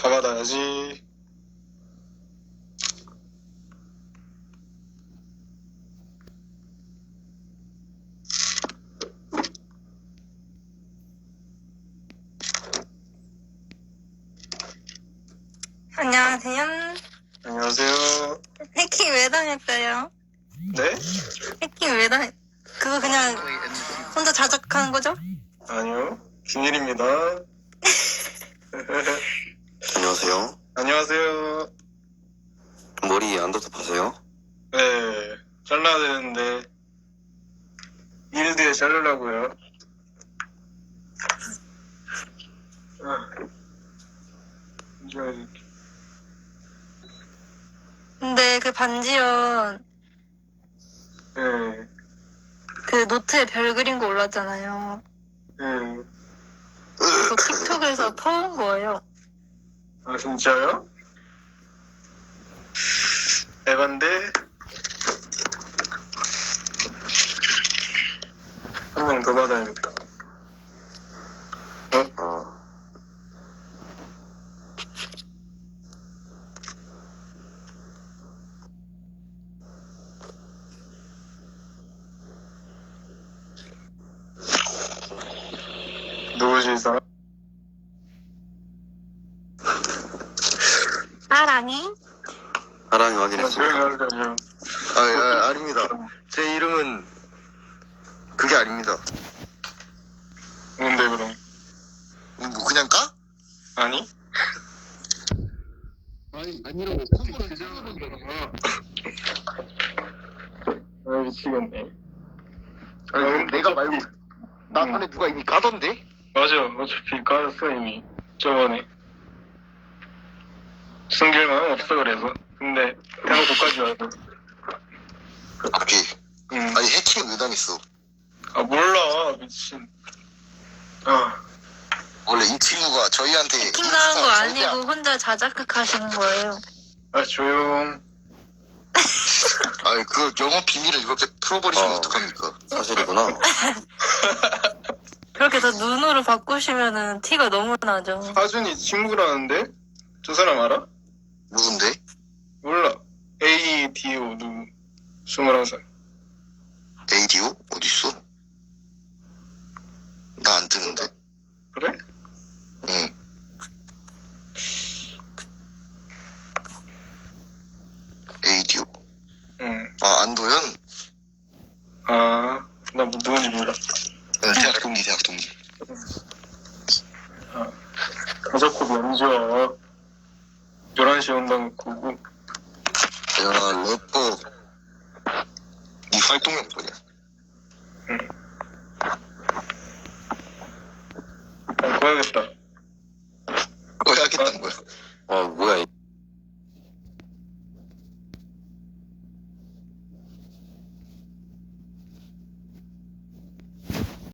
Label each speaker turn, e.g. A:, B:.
A: 다 받아야지.
B: 안녕하세요.
A: 안녕하세요.
B: 해킹 왜 당했어요?
A: 네?
B: 해킹 왜 그거 그냥 혼자 자작하는 거죠?
A: 아니요. 비밀입니다.
C: 안녕하세요.
A: 안녕하세요.
C: 머리 안더탑하세요?
A: 네. 잘라야 되는데, 일 뒤에 자르려고요.
B: 근데 그 반지연
A: 네.
B: 그 노트에 별 그린 거 올랐잖아요.
A: 네.
B: 그거 틱톡에서 퍼온 거예요.
A: 아, 진짜요? 에반데? 한 명 더 받아야겠다. 누구지, 이 사람?
B: 사랑해?
C: 사랑이
A: 조용히
C: 확인했습니다.
A: 하려면.
D: 아닙니다. 제 이름은 그게 아닙니다.
A: 뭔데, 그럼?
D: 뭐 그냥 까?
A: 아니?
D: 아니라고.
A: 아, 미치겠네.
D: 아니, 내가 말고 나 안에 누가 이미 가던데?
A: 맞아. 어차피 까였어, 이미. 저번에. 숨길만 없어, 그래서. 근데, 대놓고까지 와서.
D: 오케이.
A: 응.
D: 아니 해킹 왜 당했어?
A: 아, 몰라. 미친. 아,
D: 원래 이 친구가 저희한테
B: 해킹 당한 거 아니고 혼자 자작극 하시는 거예요.
A: 아, 조용.
D: 아니 그 영업 비밀을 이렇게 풀어버리시면 어떡합니까?
C: 사실이구나.
B: 그렇게 더 눈으로 바꾸시면은 티가 너무 나죠.
A: 하준이 친구라는데? 저 사람 알아?
D: 누군데?
A: 몰라. ADO 누구? 21살.
D: ADO? 어딨어? 나 안 뜨는데.
A: 그래?
D: 응. ADO?
A: 응.
D: 아 안도현?
A: 아, 나 뭐 누군지 몰라.
D: 응, 대학 동기.
A: 아, 가자코 면접. 11시에 온다고 그러고.
D: 야 래퍼 네 활동명 뭐냐?
A: 아, 꺼야겠다.